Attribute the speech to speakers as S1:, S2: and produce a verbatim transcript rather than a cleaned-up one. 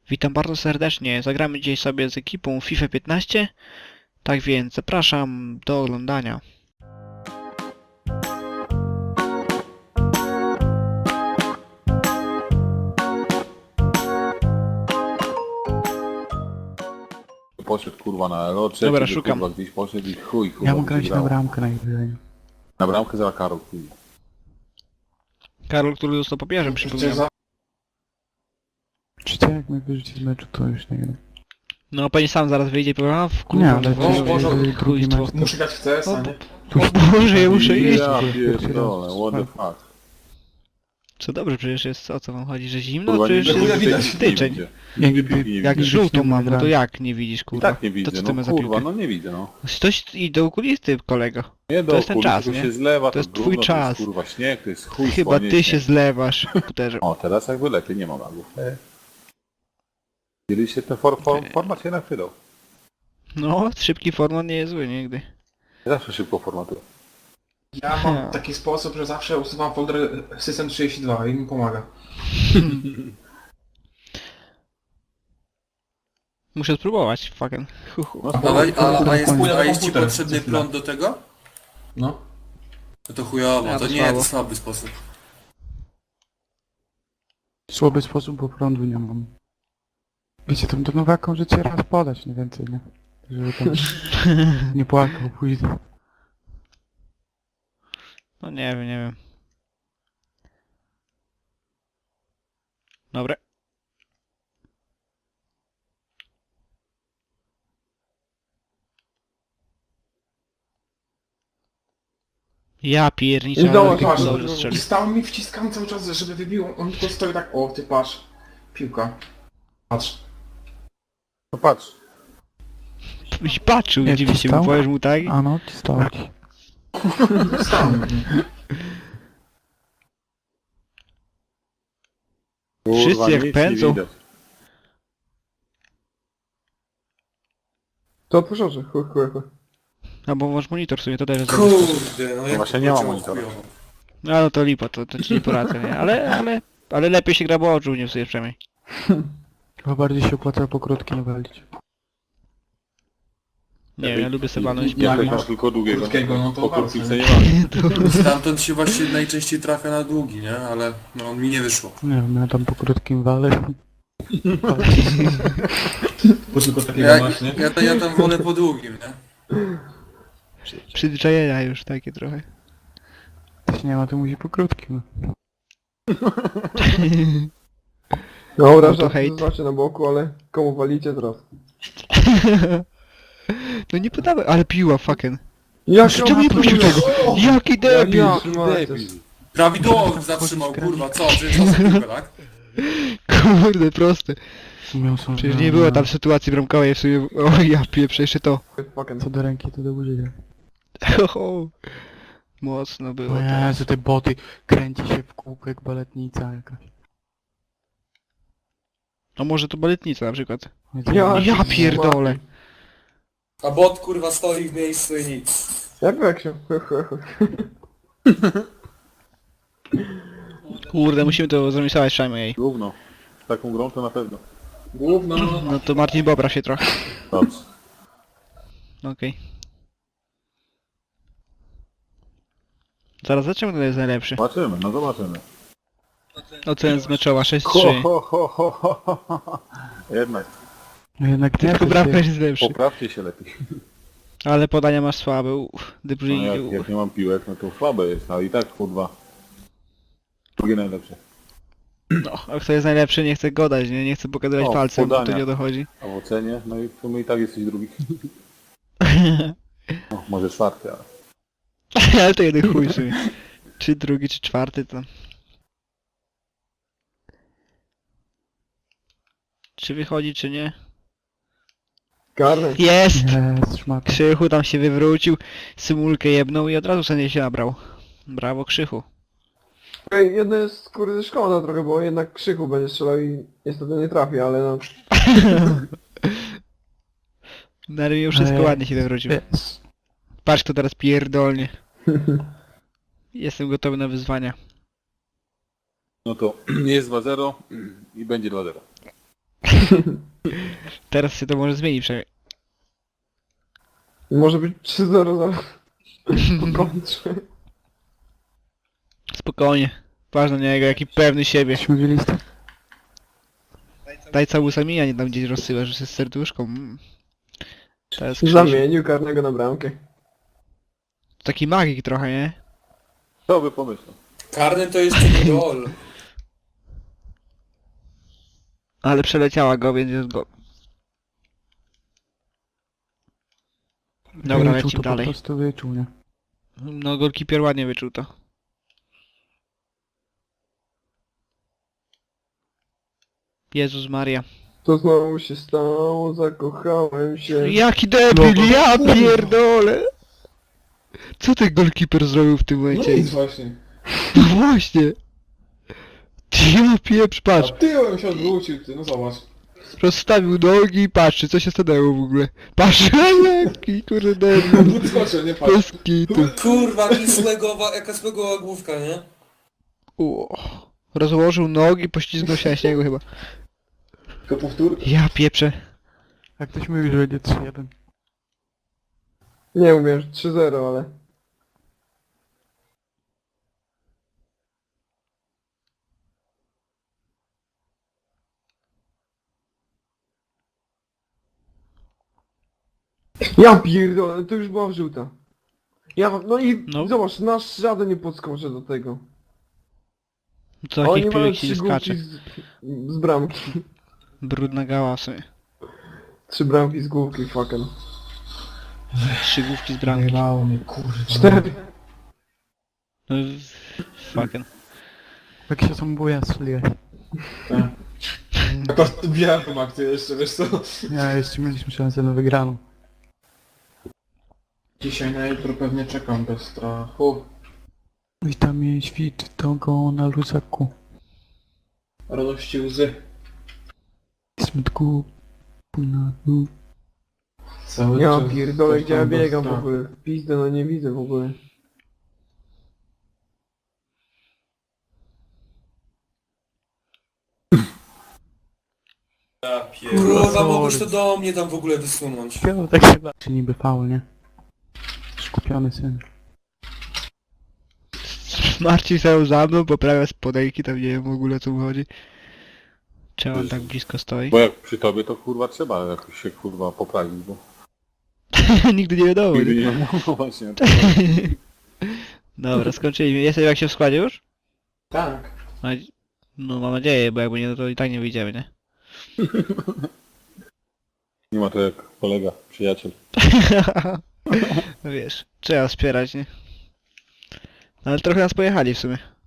S1: Witam bardzo serdecznie. Zagramy dzisiaj sobie z ekipą FIFA piętnaście. Tak więc zapraszam do oglądania.
S2: Poszedł kurwa na elo, trzeci
S1: Dobra,
S2: by,
S1: szukam.
S2: kurwa gdzieś poszedł i chuj kurwa.
S3: Ja mogę
S2: by się
S3: grać na
S2: grało.
S3: bramkę najwyżej.
S2: Na bramkę za Karol, chuj.
S1: Karol, który został papieżem, przypominam.
S3: Czy jak mnie wyrzuci z meczu, to już nie gram.
S1: No pewnie sam zaraz wyjdzie i powie, a w
S3: Nie,
S1: kurwa,
S3: ale
S1: to
S3: to
S1: jest
S3: Boże, drugi
S1: chujstwo.
S3: mecz.
S4: Muszę grać w C S, a nie?
S1: O Boże, ja muszę iść.
S2: Ja
S3: Pierwszy
S2: pierdolę,
S3: raz.
S2: what the fuck.
S1: Co dobrze przecież jest, o co wam chodzi, że zimno?
S2: Kurwa,
S1: Przecież
S2: nigdy
S1: jest
S2: tej
S4: widać.
S2: piłki nie
S1: styczeń.
S2: widzę.
S3: Jak-
S2: Nigdy piłki nie
S1: Jak
S2: widzę.
S1: żółtą mam, no to
S3: gramy.
S1: jak nie widzisz,
S2: I
S1: kurwa?
S2: tak nie widzę,
S1: To co ty
S2: no
S1: masz za
S2: kurwa,
S1: piłkę?
S2: no nie widzę, no.
S1: Coś i do okulisty, kolego.
S2: Nie do
S1: To jest ten
S2: okulisty,
S1: czas,
S2: to
S1: nie?
S2: się zlewa,
S1: To jest
S2: gówno,
S1: twój
S2: To
S1: czas.
S2: jest kurwa śnieg, to jest chuj
S1: Chyba
S2: spodnie,
S1: ty
S2: śnieg.
S1: się zlewasz, komputerze.
S2: O, teraz jakby lepiej, nie ma lagów. Kiedyś się ten for, for, format się nachylał.
S1: No, szybki format nie jest zły nigdy.
S2: Zawsze szybko formatuję.
S4: Ja mam taki sposób, że zawsze usuwam folder System trzydzieści dwa i mi pomaga.
S1: Muszę spróbować, fucking. Hu, hu.
S2: No,
S5: A, a, a, jest, a jest ci
S4: komputer.
S5: potrzebny prąd do tego?
S4: No.
S5: No to chujowo,
S1: Ja,
S5: to
S1: to
S5: nie,
S1: słabo.
S5: to słaby sposób.
S3: Słaby sposób, bo prądu nie mam. Wiecie, tam do nowaką życie raz podać, nie więcej, nie? Żeby tam nie płakał później.
S1: No nie wiem, nie wiem. Dobra. Ja pierniczę,
S4: I
S1: ale
S4: zobacz,
S1: tylko
S4: patrz,
S1: dobrze
S4: i
S1: strzelił.
S4: stał mi wciskam cały czas, żeby wybił, on tylko stoi tak, o ty patrz, piłka. Patrz.
S2: No patrz.
S1: I patrzył,
S3: Jak
S1: dziwi się,
S3: wstał?
S1: bo powiesz mu tak?
S3: A no, ci stało ci.
S4: Stał.
S2: Kurwa,
S1: Wszyscy jak
S2: nic
S1: pędzą.
S2: nie widać.
S6: To proszę, chuj, chuj, chuj.
S1: A bo masz monitor w sumie, to też jest dobry sposób.
S5: Kurde, no jak
S2: właśnie nie ma
S5: pociął
S2: monitora.
S5: chujowo.
S1: No no to lipa, to, to ci nie poradzę, nie? Ale, ale, ale lepiej się gra, bo oczu nie psuje przynajmniej.
S3: Chyba bardziej się opłaca po krótkie walić.
S1: Nie wiem, ja lubię sobie walnąć
S2: Ja
S4: Jak
S2: mam
S4: masz
S2: tylko długiego.
S4: krótkiego, no to
S2: po
S4: bardzo.
S2: krótkim nie ma.
S5: Stamtąd się właśnie najczęściej trafia na długi, nie? Ale no mi nie wyszło.
S3: Nie wiem, ja tam po krótkim walę.
S4: Bo tylko takiego
S5: Ja,
S4: masz, nie?
S5: ja, ja tam wolę po długim, nie?
S1: Przyzwyczajenia już takie trochę.
S3: Też nie ma, to musi po krótkim.
S6: Dobra,
S1: No to
S6: że
S1: hejt.
S6: znacie na boku, ale komu walicie teraz?
S1: No nie podawaj, ale piła, fucking.
S6: Jak
S1: Czemu nie puścił tego? Jaki debil!
S6: Ja,
S5: Prawidłowo zatrzymał, kurwa, co? Przecież to za piłkę, tak?
S1: Kurde, proste.
S3: Miał są
S1: Przecież nie było tam sytuacji bramkowej w sumie. O ja pieprzę jeszcze to.
S3: Co do ręki, to do buzi.
S1: Oho. Mocno było
S3: O
S1: to.
S3: Jezu, te boty kręci się w kółko jak baletnica jakaś.
S1: A może to baletnica na przykład.
S6: Ja,
S1: Ja pierdolę.
S5: A bot, kurwa, stoi w miejscu i nic.
S6: Jak jak się? Chuj, chuj, chuj.
S1: Kurde, musimy to zremisować przynajmniej.
S2: Gówno. Z taką grą to na pewno.
S4: Główno,
S1: No to Marcin Bobra się trochę.
S2: Dobrze.
S1: Okej. Zaraz zobaczymy, kto jest najlepszy.
S2: Zobaczymy, no zobaczymy.
S1: Ocena z meczowa sześć
S2: Ho,
S1: trzy.
S2: ho, ho, ho, ho, ho, ho. Jednak,
S3: No jednak nie,
S1: Tylko
S3: to
S1: bramkarz
S3: się...
S1: jest lepszy.
S2: poprawcie się lepiej.
S1: Ale podania masz słabe. Uff, De
S2: No
S1: Bruyne.
S2: jak,
S1: uff.
S2: jak nie mam piłek, no to słabe jest, ale i tak kurwa. Drugie najlepsze.
S1: No, a kto jest najlepszy, nie chce godać, nie? Nie chce pokazywać
S2: O,
S1: palcem, bo to
S2: podania.
S1: nie dochodzi.
S2: A w ocenie, no i w sumie i tak jesteś drugi. No, może czwarty, ale...
S1: Ale to jeden chuj w sumie. Czy drugi, czy czwarty to... Czy wychodzi, czy nie?
S6: Karny.
S1: Jest!
S3: Jest, szmata.
S1: Krzychu tam się wywrócił, symulkę jebnął i od razu sobie się nabrał. Brawo, Krzychu.
S6: Ej, jedno jest kurde szkoda trochę, bo jednak Krzychu będzie strzelał i niestety nie trafi, ale no...
S1: Na mimo wszystko
S3: Ej,
S1: ładnie się wywrócił.
S3: Jest.
S1: Patrz kto teraz pierdolnie. Jestem gotowy na wyzwania.
S2: No to jest dwa zero i będzie dwa zero.
S1: Teraz się to może zmieni przynajmniej.
S6: Może być trzy zero zaraz. Po kontrze.
S1: Spokojnie. Ważne na niego, jaki pewny siebie.
S3: Jesteśmy w listę.
S1: Daj całusami, a nie tam gdzieś rozsyłasz, że z serduszką. Mm. To jest Krzysiu.
S6: Zamienił karnego na bramkę.
S1: Taki magik trochę, nie?
S2: Co by pomyślał?
S5: Karny to jeszcze nie gol.
S1: Ale przeleciała go, więc jest go. Dobra,
S3: Wyczuł
S1: lecimy
S3: to
S1: dalej.
S3: po prostu wyczuł, nie?
S1: No, goalkeeper ładnie wyczuł to. Jezus Maria.
S6: To znowu się stało, zakochałem się.
S1: Jaki debil,
S3: No,
S1: ja pierdolę! Co ten goalkeeper zrobił w tym
S4: No
S1: momencie?
S4: nic właśnie.
S1: No właśnie! Ja pieprz,
S4: A
S1: patrz!
S4: tyłem się odwrócił, ty, no zobacz.
S1: Rozstawił nogi i patrzy, co się stanęło w ogóle. Patrz, jaki kurde debil.
S4: Podskoczył, nie patrz.
S1: Bez kitu.
S5: Kurwa, jaki słegowa, jaka słegowa główka, nie?
S1: O, rozłożył nogi, poślizgnął się na śniegu chyba.
S4: Tylko powtórka.
S1: Ja pieprzę.
S3: Jak ktoś mówi, że będzie trzy jeden.
S6: Nie umiem, że trzy zero, ale... Ja pierdolę, to już była wrzuta. Ja, no i
S1: No.
S6: zobacz, nasz żaden nie podskoczy do tego.
S1: Co
S6: Oni
S1: takich
S6: mają
S1: piłek się
S6: trzy
S1: nie
S6: główki
S1: skacze.
S6: z, z bramki.
S1: Brudna gała sobie.
S6: Trzy bramki z główki, fucking.
S1: Trzy główki z bramki.
S4: Wyjebało mnie, kurwa.
S6: Cztery.
S1: No, fucking.
S3: Jak się są buja strzeliłeś.
S4: To białą akcję jeszcze, wiesz co?
S3: Ja jeszcze mieliśmy szansę na wygraną.
S4: Dzisiaj na jutro pewnie czekam bez strachu.
S3: Witam świt tego na luzaku.
S4: Radości łzy.
S3: Smutku. Na dół.
S4: Cały
S6: Ja
S4: czas
S6: pierdolę,
S4: coś
S6: gdzie ja
S4: tam bez
S6: biegam w
S4: strachu.
S6: ogóle. Pizdę, no nie widzę w ogóle.
S5: Ja Kurwa, mogłeś to do mnie tam w ogóle wysunąć.
S3: Śpiewał tak chyba. Czy niby faul, nie? Skupiony syn.
S1: Marcin stał za mną, poprawia spodejki, tam nie wiem w ogóle o co mu chodzi. Czemu on tak blisko stoi?
S2: Bo jak przy tobie to kurwa trzeba jakoś się kurwa poprawić, bo
S1: Nigdy nie wiadomo.
S2: nigdy
S1: Nie?
S2: nie no właśnie.
S1: Dobra, skończyliśmy. Jesteś jak się w składzie już?
S4: Tak.
S1: No, no mam nadzieję, bo jakby nie, no to i tak nie wyjdziemy, nie?
S2: Nie ma to jak kolega, przyjaciel.
S1: No wiesz, trzeba wspierać, nie? No, ale trochę nas pojechali w sumie.